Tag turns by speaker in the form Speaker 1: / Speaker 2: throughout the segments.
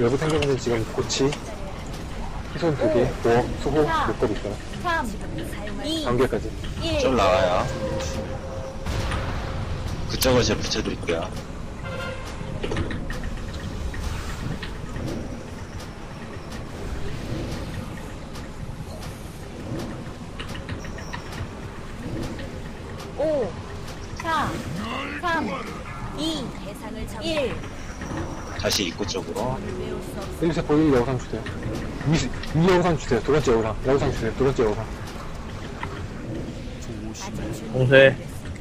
Speaker 1: 외부 생기는 지금 고치, 희손 2개, 보험, 수호, 목걸이 있어요.
Speaker 2: 3, 2,
Speaker 1: 경계까지.
Speaker 2: 1.
Speaker 3: 쫄 나와요. 그쪽을 제가 붙여드릴게요.
Speaker 2: 오, 4, 3, 2, 1.
Speaker 3: 다시 입구 쪽으로.
Speaker 1: 1세포 1 여우상 주세요. 2 여우상 주세요. 두 번째 여우상. 여우상 주세요. 두 번째 여우상.
Speaker 4: 봉쇄.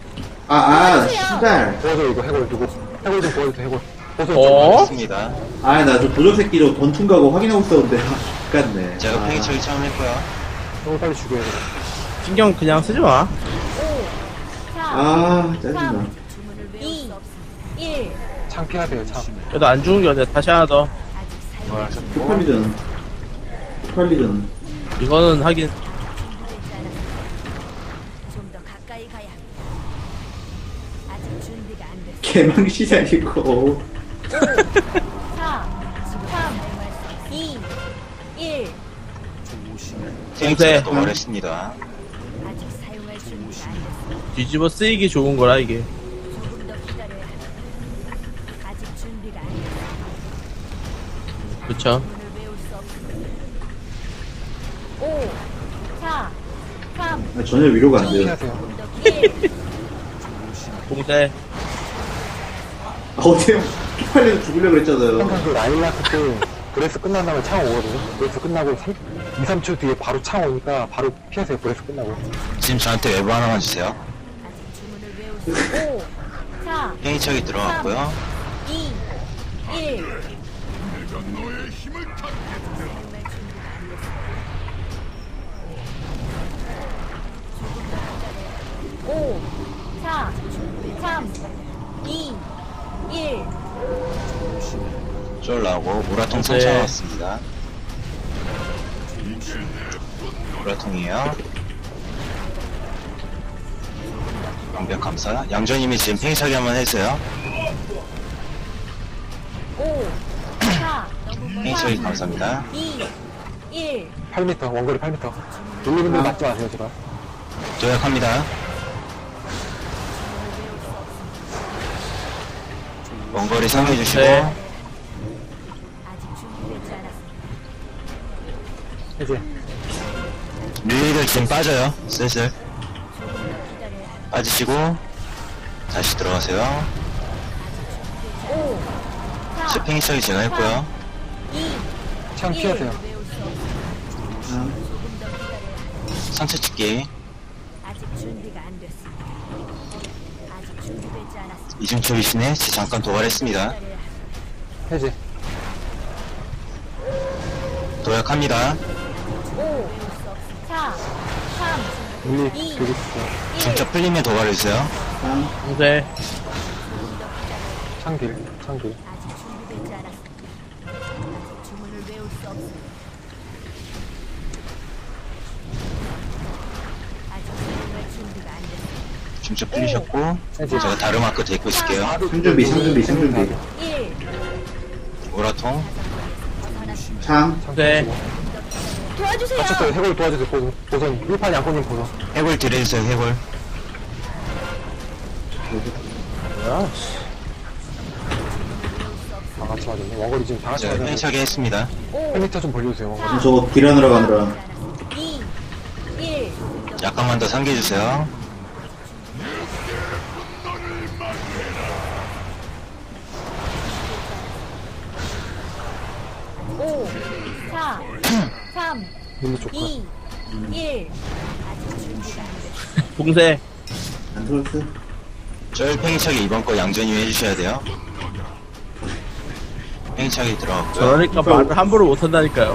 Speaker 5: 씨발.
Speaker 1: 도와줘, 이거 해골 두고. 해골 좀 도와주세요, 해골. 보선
Speaker 4: 어?
Speaker 3: 맞습니다.
Speaker 5: 나 저 도적 새끼로 던충 가고 확인하고 있었는데. 같네.
Speaker 3: 제가 팽이 처리 처음 했고요.
Speaker 1: 해골 빨리 죽여야 돼.
Speaker 4: 신경 그냥 쓰지 마.
Speaker 2: 5, 4,
Speaker 5: 짜증나.
Speaker 2: 2, 1.
Speaker 1: 창피하세요, 참.
Speaker 4: 그래도 안 죽은 게 어디야. 다시 하나 더.
Speaker 5: 폭발리전. 폭발리전.
Speaker 4: 이거는 하긴.
Speaker 2: 좀 더 가까이 가야 합니다. 아직 준비가 안 됐어.
Speaker 5: 개망시장이고.
Speaker 2: 4, 3, 2, 1.
Speaker 3: 팽이처리 도발했습니다.
Speaker 2: 아직 사용할 준비가 안 됐어.
Speaker 4: 뒤집어 쓰이기 좋은 거라, 이게.
Speaker 2: 조금 더 기다려야 합니다. 아직 준비가 안 됐어.
Speaker 4: 그쵸.
Speaker 2: 문을 외울 수 없습니다. 5, 4, 3,
Speaker 5: 전혀 위로가 안 돼요.
Speaker 1: 창피하세요.
Speaker 2: 1.
Speaker 4: 봉쇄.
Speaker 5: 어때요? 폭발리전 죽으려고 그랬잖아요.
Speaker 1: 항상 그 라일라크 때 브레스 끝난 다음에 창 오거든요. 브레스 끝나고 2, 3초 뒤에 바로 창 오니까 바로 피하세요. 브레스 끝나고.
Speaker 3: 지금 저한테 외부 하나만 주세요.
Speaker 2: 아직 주문을 외울 수 없습니다. 5, 4,
Speaker 3: 팽이처리 들어갔고요.
Speaker 2: 2, 1. 5, 4, 3, 2, 1.
Speaker 3: 쫄 나오고 무라통
Speaker 4: 네.
Speaker 3: 상처 나왔습니다. 무라통이에요. 완벽 감사. 양조님이 지금 팽이처리 한번 해주세요.
Speaker 2: 5, 4,
Speaker 3: 팽이처리 감사합니다.
Speaker 2: 2, 1.
Speaker 1: 8m, 원거리 8m. 룰루분들 맞지 마세요, 제발.
Speaker 3: 도약합니다. 원거리 상해주시고
Speaker 4: 네.
Speaker 2: 아직 준비되지 않았습니다.
Speaker 1: 해제.
Speaker 3: 릴리들 지금 빠져요. 슬슬
Speaker 2: 조금 더 기다려야 합니다.
Speaker 3: 빠지시고 다시 들어가세요.
Speaker 2: 5, 4,
Speaker 3: 팽이처리 제가 했고요.
Speaker 2: 2,
Speaker 1: 창 피하세요.
Speaker 2: 외울 수 없습니다. 조금 더 기다려야 합니다.
Speaker 3: 상처 찍기.
Speaker 2: 아직 준비가 안 됐습니다. 아직 준비되지 않았습니다.
Speaker 3: 이중첩이시네. 잠깐 도발했습니다.
Speaker 2: 기다려야 합니다.
Speaker 1: 해제.
Speaker 3: 도약합니다.
Speaker 2: 5, 4, 3,
Speaker 1: 릴리,
Speaker 2: 2,
Speaker 1: 되게
Speaker 2: 1.
Speaker 3: 중첩 풀리면 도발해주세요.
Speaker 4: 봉쇄.
Speaker 1: 창길, 창길.
Speaker 2: 아직 준비되지 않았습니다. 아직 주문을 외울 수 없습니다. 아직 사용할 준비가 안 됐습니다.
Speaker 3: 중첩 풀리셨고
Speaker 1: 해제.
Speaker 3: 제가 다른 마크 데리고 있을게요.
Speaker 5: 상준비, 상준비, 상준비.
Speaker 2: 1.
Speaker 3: 우라통.
Speaker 5: 창.
Speaker 4: 네.
Speaker 2: 도와주세요.
Speaker 1: 맞췄어요. 해골 도와주세요. 보선. 1판 양꼬님 보선.
Speaker 3: 해골 딜해주세요. 해골.
Speaker 4: 뭐야, 씨.
Speaker 1: 다 같이 맞았네. 원거리 지금 다 같이
Speaker 3: 제가
Speaker 1: 맞았네.
Speaker 3: 팽이처리 했습니다.
Speaker 2: 5,
Speaker 1: 8m 좀 벌려주세요, 원거리.
Speaker 5: 저거 딜하느라 가느라.
Speaker 2: 2, 1.
Speaker 3: 약간만 더 상기해주세요.
Speaker 2: 오, 4, 3,
Speaker 1: 릴리 좋고.
Speaker 2: 2, 1. 아직 준비가 안 됐습니다.
Speaker 4: 봉쇄.
Speaker 5: 안 들었어?
Speaker 3: 쫄 팽이차기 이번 거 양전이 해주셔야 돼요. 팽이차기 들어갔고요.
Speaker 4: 저러니까 말을 함부로 못한다니까요.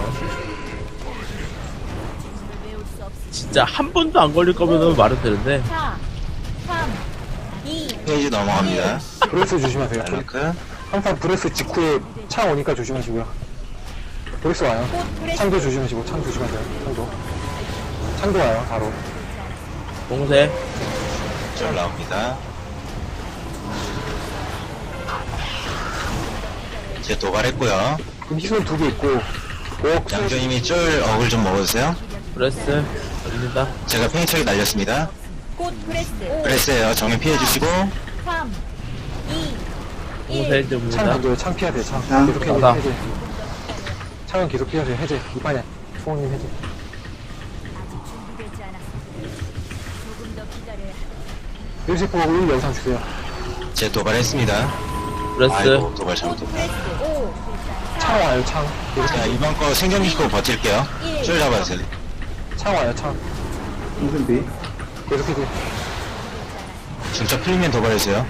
Speaker 2: 외울 수 없습니다.
Speaker 4: 진짜 한 번도 안 걸릴 거면 말은 되는데.
Speaker 2: 4, 3, 2,
Speaker 3: 페이지 넘어갑니다.
Speaker 1: 브레스 조심하세요.
Speaker 3: 알라크.
Speaker 1: 항상 브레스 직후에 창 오니까 조심하시고요. 브레스 와요. 창도 조심하시고, 창 조심하세요. 창도. 창도 와요, 바로.
Speaker 4: 봉쇄.
Speaker 3: 쫄 나옵니다. 이제 도발했고요.
Speaker 1: 희손 2개 있고, 5억
Speaker 3: 양조님이 쫄 어글 좀 먹어주세요.
Speaker 4: 브레스. 올립니다.
Speaker 3: 제가 팽이차기 날렸습니다.
Speaker 2: 곧 브레스.
Speaker 3: 그랬어요. 정면 피해주시고
Speaker 2: 3, 2,
Speaker 4: 봉쇄
Speaker 2: 1.
Speaker 1: 창
Speaker 4: 줍니다.
Speaker 1: 던져요. 창 피하세요. 창.
Speaker 5: 창.
Speaker 1: 계속 해제.
Speaker 4: 나다.
Speaker 1: 해제. 창은 계속 피하세요. 해제. 이판에. 수홍님 해제.
Speaker 2: 아직 준비되지 않았습니다. 조금 더 기다려야 합니다.
Speaker 1: 1세포 1 영상 주세요.
Speaker 3: 제 도발했습니다.
Speaker 4: 브레스.
Speaker 3: 아이고 도발
Speaker 2: 곧
Speaker 3: 잘못했다.
Speaker 2: 브레스. 5,
Speaker 1: 창 와요. 창. 계속
Speaker 3: 자 이번 거 생존시키고 버틸게요. 쫄 잡아주세요.
Speaker 1: 창 와요. 창.
Speaker 5: 홍준비.
Speaker 1: 계속 해제.
Speaker 3: 중첩 풀리면 도발해주세요.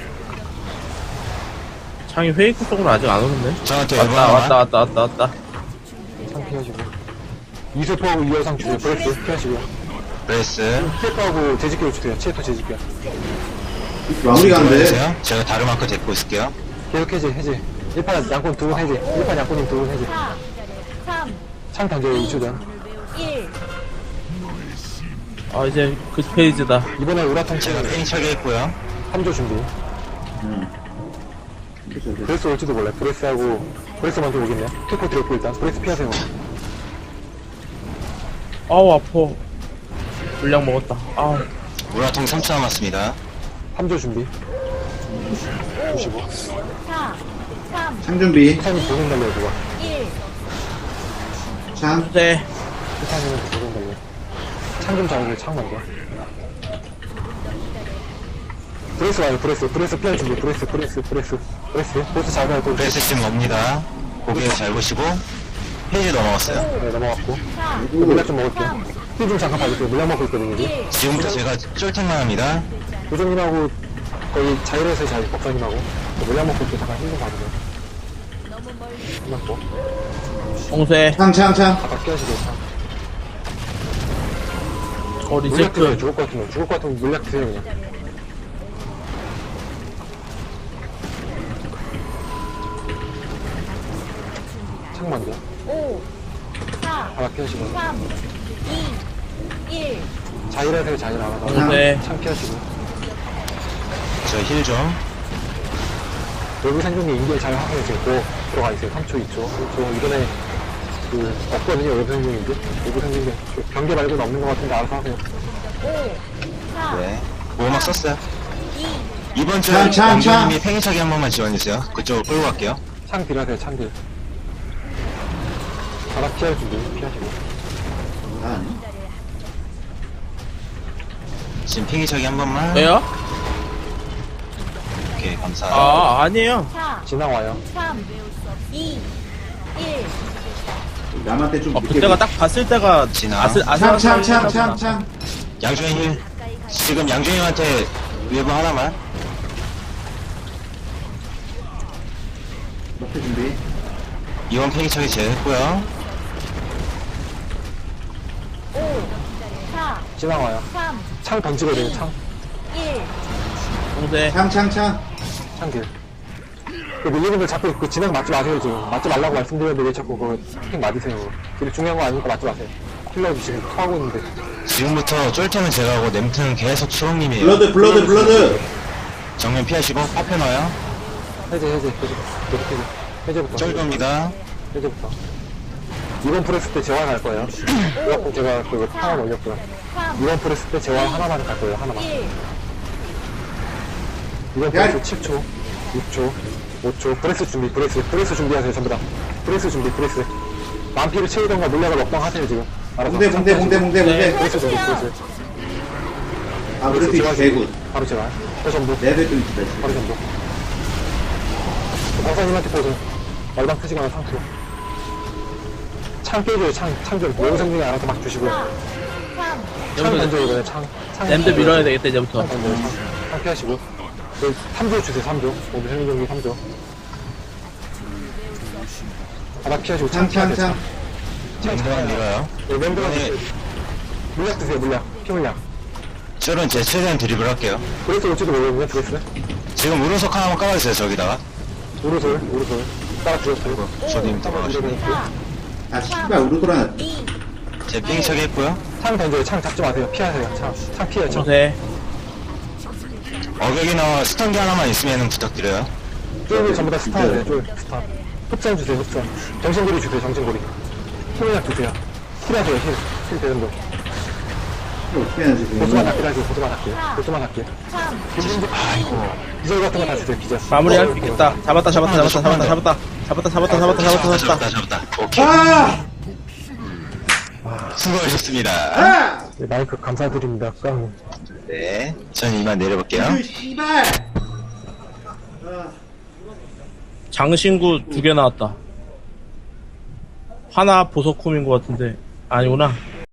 Speaker 4: 창이 페이크 쪽으로 아직 안 오는데?
Speaker 3: 저한테
Speaker 4: 왔다.
Speaker 1: 창 피하시고. 2세포 2 영상 주세요. 브레스 피하시고요.
Speaker 3: 브레스
Speaker 1: 체포하고 재집결 주세요. 체포 재집결.
Speaker 5: 마무리가 안 돼.
Speaker 3: 도발해주세요. 제가 다른 마크 데리고 있을게요.
Speaker 1: 계속 해제. 해제. 1판 양권 2분 해제. 1판 양권님 2분 해제.
Speaker 2: 4, 3,
Speaker 1: 창 던져요. 2초 전.
Speaker 2: 1.
Speaker 4: 아, 이제 그 페이지다.
Speaker 1: 이번에 우라통
Speaker 3: 제가
Speaker 1: 채
Speaker 3: 팽이차기 했고요.
Speaker 1: 3조 준비. 브레스 올지도 몰라요. 브레스하고 브레스 먼저 오겠네요. 투포 드렸고 일단 브레스 피하세요.
Speaker 4: 아우, 아파. 물량 먹었다. 아우.
Speaker 3: 우라통 3초 남았습니다.
Speaker 1: 3조 준비. 95.
Speaker 2: 4, 3,
Speaker 5: 창준비.
Speaker 1: 티타님 보는 달려요 그거.
Speaker 2: 1.
Speaker 5: 창.
Speaker 4: 봉쇄.
Speaker 1: 티타님한테 보는 달려요. 창 좀 잡으세요. 창 먼저. 브레스 와요. 브레스 피할 준비. 브레스 보스 잡아요. 또
Speaker 3: 브레스 지금 옵니다. 고개 잘 보시고 페이지 넘어갔어요.
Speaker 1: 네, 넘어갔고. 물약 좀 먹을게요. 힐 좀 잠깐 봐주세요. 물약 먹고 있거든요. 여기.
Speaker 3: 지금부터 제가 쫄탱만 합니다.
Speaker 1: 요정님하고 거의 자율에서의 자율 법사님하고 물약 먹고 있고 잠깐 힐 좀 봐주세요.
Speaker 2: 너무 멀리.
Speaker 1: 힐 먹고.
Speaker 4: 봉쇄.
Speaker 5: 창.
Speaker 1: 바닥 끼하시고 창. 물약 드세요.
Speaker 4: 리체크.
Speaker 1: 죽을 것 같으면 물약 드세요 그냥. 창 먼저.
Speaker 2: 5, 4,
Speaker 1: 바닥 피하시고.
Speaker 2: 3, 2, 1.
Speaker 1: 자율하세요. 자율 알아서.
Speaker 4: 네.
Speaker 1: 창 피하시고.
Speaker 3: 저 힐 좀.
Speaker 1: 외부 생존기 인계 잘 하세요. 지금 또 들어가 있어요. 3초, 2초, 1초. 이번에 그 없거든요. 외부 생존기. 외부 생존기. 경계 말고는 없는 것 같은데 알아서 하세요.
Speaker 2: 5, 4,
Speaker 3: 네. 보호막 썼어요.
Speaker 2: 2,
Speaker 3: 이번 주에
Speaker 5: 창, 창,
Speaker 3: 양조님이 팽이차기 한 번만 지원해주세요. 그쪽으로 끌고 갈게요.
Speaker 1: 창 딜하세요. 창 딜. 바닥 피할 준비. 피하시고.
Speaker 5: 아,
Speaker 3: 지금 팽이차기 한 번만.
Speaker 4: 왜요?
Speaker 3: 오케이 감사.
Speaker 4: 아, 아니에요.
Speaker 2: 4,
Speaker 1: 지나 와요.
Speaker 2: 3, 2, 1.
Speaker 5: 남한테 좀 늦게.
Speaker 4: 그때가 딱 봤을 때가
Speaker 3: 지나.
Speaker 5: 창.
Speaker 3: 양조님 지금 양조님한테 외부 하나만.
Speaker 5: 목표 준비.
Speaker 3: 이번 팽이차기 제했고요.
Speaker 2: 5, 4,
Speaker 1: 지나 와요.
Speaker 2: 3,
Speaker 1: 창 던지거든요. 창.
Speaker 2: 1.
Speaker 4: 봉쇄.
Speaker 5: 창.
Speaker 1: 창 딜. 그 밀리는 걸 자꾸 그 진행 맞지 마세요. 지금 맞지 말라고 말씀드렸는데 왜 자꾸 그거 핑 맞으세요. 딜 중요한 거 아니니까 맞지 마세요. 킬러도 지금 토하고 있는데.
Speaker 3: 지금부터 쫄템은 제가 하고 냄트는 계속 수홍님이에요.
Speaker 5: 블러드.
Speaker 3: 정면 피하시고 파편 넣어요.
Speaker 1: 해제. 계속 해제. 해제부터.
Speaker 3: 쫄겁니다.
Speaker 1: 해제부터. 이번 프레스 때 재활 갈 거예요. 그래갖고 제가 그 파원 올렸고요.
Speaker 2: 3,
Speaker 1: 이번 프레스 때 재활 하나만 갈 거예요. 하나만.
Speaker 2: 1.
Speaker 1: 이번 프레스 7초, 6초, 5초. 브레스 준비. 브레스 준비하세요. 전부 다. 브레스 준비. 만피를 채우던가 물약을 먹던가 하세요 지금. 알아서.
Speaker 5: 봉대.
Speaker 1: 브레스 준비.
Speaker 5: 아, 그래도 이거 개굿.
Speaker 1: 바로 제가. 전부.
Speaker 5: 레벨 좀 있다.
Speaker 1: 바로 전부. 박사님한테 보세요. 얼방 크지거나 상투. 창 깨줘요. 창 좀. 외우생 중에 알아서 막 주시고요.
Speaker 2: 3,
Speaker 1: 창 던져요 이번에 창.
Speaker 4: 램드 밀어야 되겠다, 이제부터.
Speaker 1: 창 던져요. 창 피하시고. 3조 주세요. 3조. 오늘 생존기 3조. 바닥 피하시고 창 피하세요. 창.
Speaker 3: 맹도만 밀어요.
Speaker 1: 네, 멤버가
Speaker 3: 네.
Speaker 1: 물약 드세요. 피물약.
Speaker 3: 쫄은 제 최대한 드리블 할게요.
Speaker 1: 브레스 올지도 모르겠네. 브레스.
Speaker 3: 지금 우르석 하나만 깔아주세요 저기다가.
Speaker 1: 우르솔. 따라 주셨어요.
Speaker 3: 조님 들어가시고.
Speaker 2: 4,
Speaker 5: 아, 씨발, 우르돌아.
Speaker 2: 2,
Speaker 3: 제 팽이차기 했고요.
Speaker 1: 창 던져요. 창 잡지 마세요. 피하세요. 창 피해요. 창.
Speaker 4: 봉쇄.
Speaker 3: 어격이나 스턴기 하나만 있으면 부탁드려요.
Speaker 1: 쫄을 전부 다 스타예요. 쫄 스타. 흡전 주세요, 흡전. 정신고리 주세요, 정신고리. 힐약 주세요. 힐하세요, 힐 되는 거.
Speaker 5: 이거 어떻게 해야 되지?
Speaker 1: 보수만 아끼라 하세요, 보수만 아끼요. 보수만 아끼요. 아이고. 기절 같은 거 다 주세요, 기절.
Speaker 4: 마무리할 수 있겠다. 잡았다.
Speaker 3: 오케이.
Speaker 5: 아!
Speaker 3: 수고하셨습니다.
Speaker 5: 아!
Speaker 1: 네, 마이크 감사드립니다, 깡.
Speaker 3: 네. 전 이만 내려볼게요.
Speaker 5: 그 씨발! 아.
Speaker 4: 장신구 2개 나왔다. 하나 보석쿰인 것 같은데 아니구나.